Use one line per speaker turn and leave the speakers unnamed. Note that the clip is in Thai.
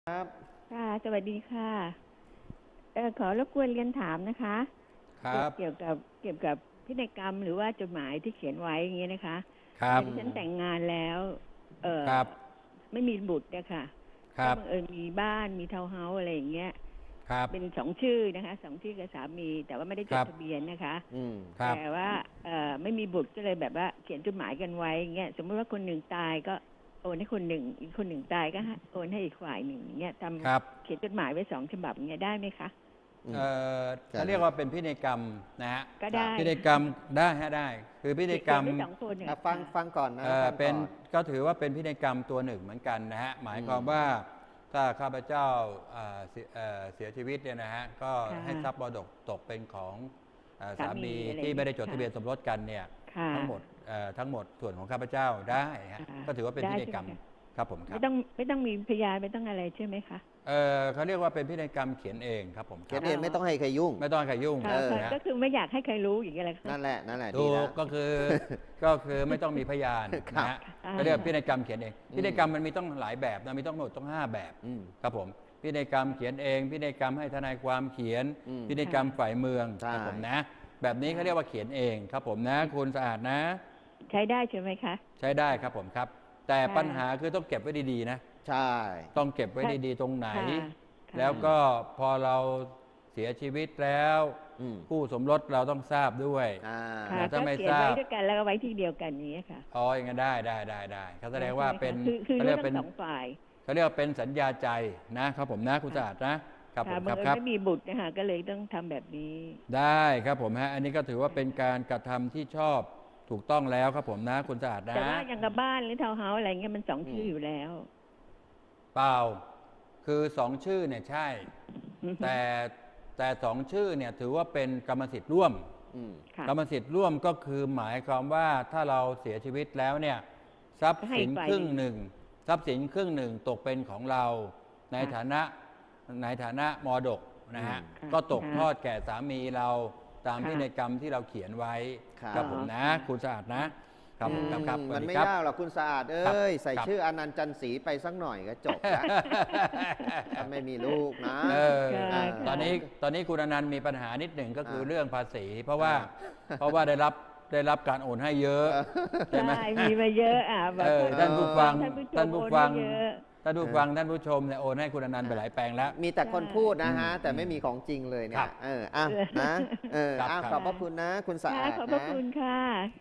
ครับ
ค่ะสวัสดีค่ะขอรบกวนเรียนถามนะคะ
ครับ
เกี่ยวกับพินัยกรรมหรือว่าจดหมายที่เขียนไว้อย่างเงี้ยนะคะ
ครับ
ดิฉันแต่งงานแล้วเอ่อ
ครับ
ไม่มีบุตรนะคะ
ครับ
ก็บังเอิญมีบ้านมีทาวน์เฮาส์อะไรอย่างเงี้ย
ครับ
เป็นสองชื่อนะคะสองชื่อกับสามีแต่ว่าไม่ได้จ
ครับ
ดทะเบียนนะคะ
ครับ
แต่ว่าไม่มีบุตรก็เลยแบบว่าเขียนจดหมายกันไว้อย่างเงี้ยสมมติว่าคนหนึ่งตายก็โอนให้คนหนึ่งอีกคนหนึ่งตายก็โอนให้อีกฝ่ายหนึ่งอย่างเงี้ย
ครับ
เขียนจดหมายไว้2 ฉบับอย่างเงี้ยได้ไหมคะ
เอ่อเขาเรียกว่าเป็นพินัยกรรมนะฮะ
ก็ได้
พินัยกรรมได้ฮะได้ คือพินัยกรรม
เขียนได้2 คนเนี่ย
ฟังก่อนนะฟัง
เป็น
ก่อน
ก็ถือว่าเป็นพินัยกรรมตัวหนึ่งเหมือนกันนะฮะหมายความว่าถ้าข้าพเจ้าเสียชีวิตเนี่ยนะฮะก็ให้ทรัพย์มรดกตกเป็นของสามีที่ไม่ได้จดทะเบียนสมรสกันเนี่ยทั้งหมดส่วนของข้าพเจ้าได้ฮะก็ถือว่าเป็นพินัยกรรมครับผมครับ
ไม่ต้องมีพยานไม่ต้องอะไรใช่ไหมคะ
เขาเรียกว่าเป็นพินัยกรรมเขียนเองครับผม
เขียนเองไม่ต้องให้ใครยุ่ง
ไม่ต้องให้ใครยุ่ง
ก็คือไม่อยากให้ใครรู้อย่างเงี้ยแหละ
นั่นแหละ
ถู
ดีแล้ว
กก็คือไม่ต้องมีพยานนะฮะก็เรียกพินัยกรรมเขียนเองพินัยกรรมมันมีต้องหลายแบบนะมีต้องหมดต้อง5 แบบครับผมพินัยกรรมเขียนเองพินัยกรรมให้ทนายความเขียนพินัยกรรมฝ่ายเมืองครับผมนะแบบนี้เขาเรียกว่าเขียนเองครับผมนะคุณสะอาดนะ
ใช้ได้ใช่ไหมคะ
ใช้ได้ครับผมครับแต่ปัญหาคือต้องเก็บไว้ดีๆนะ
ใช่
ต้องเก็บไว้ดีๆตรงไหนแล้วก็พอเราเสียชีวิตแล้วคู่สมรสเราต้องทราบด้วย
ถ้าไม่ทราบไว้ด้วยกันแล้วก็ไว้ที่เดียวกันนี้ค่ะ
อ๋ออย่างนั้นได้เขาแสดงว่าเป็น
เขาเรียกเป็น2 ฝ่าย
เขาเรียกว่าเป็นสัญญาใจนะครับผมนะคุณสะอาดนะครับผม
ครับไม่มีบุตรนะคะก็เลยต้องทำแบบนี้
ได้ครับผมฮะอันนี้ก็ถือว่าเป็นการกระทำที่ชอบถูกต้องแล้วครับผมนะคุณสะอาดนะ
แต่ว่าอย่างกับบ้านหรือทาวน์เฮาส์อะไรเงี้ยมัน2 ชื่ออยู่แล้ว
เปล่าคือ2 ชื่อเนี่ยใช่แต่2 ชื่อเนี่ยถือว่าเป็นกรรมสิทธิ์ร่วมกรรมสิทธิ์ร่วมก็คือหมายความว่าถ้าเราเสียชีวิตแล้วเนี่ยทรัพย์สินครึ่งหนึ่งตกเป็นของเราในฐานะมรดกนะฮะก็ตกทอดแก่สามีเราตามพินัยกรรมที่เราเขียนไว้ครับผมนะคุณสะอาดนะครับ
มันไม่ยากหรอกคุณสะอาดใส่ชื่ออนันต์จันทร์ศรีไปสักหน่อยก็จบแล้วถ้าไม่มีลูกนะ
ตอนนี้คุณอนันต์มีปัญหานิดหนึ่งก็คือเรื่องภาษีเพราะว่าได้รับการโอนให้เยอะ
ใช่ไหมมีมาเยอะ
ท่านผู้ฟังท่านผู้ชมเนี่ยโอนให้คุณอนันต์ไปหลายแปลงแล้ว
มีแต่คนพูดนะฮะแต่ไม่มีของจริงเลยเนี่ยขอบพระคุณนะคุณสะอาดนะ
ขอบพระคุณค่ะ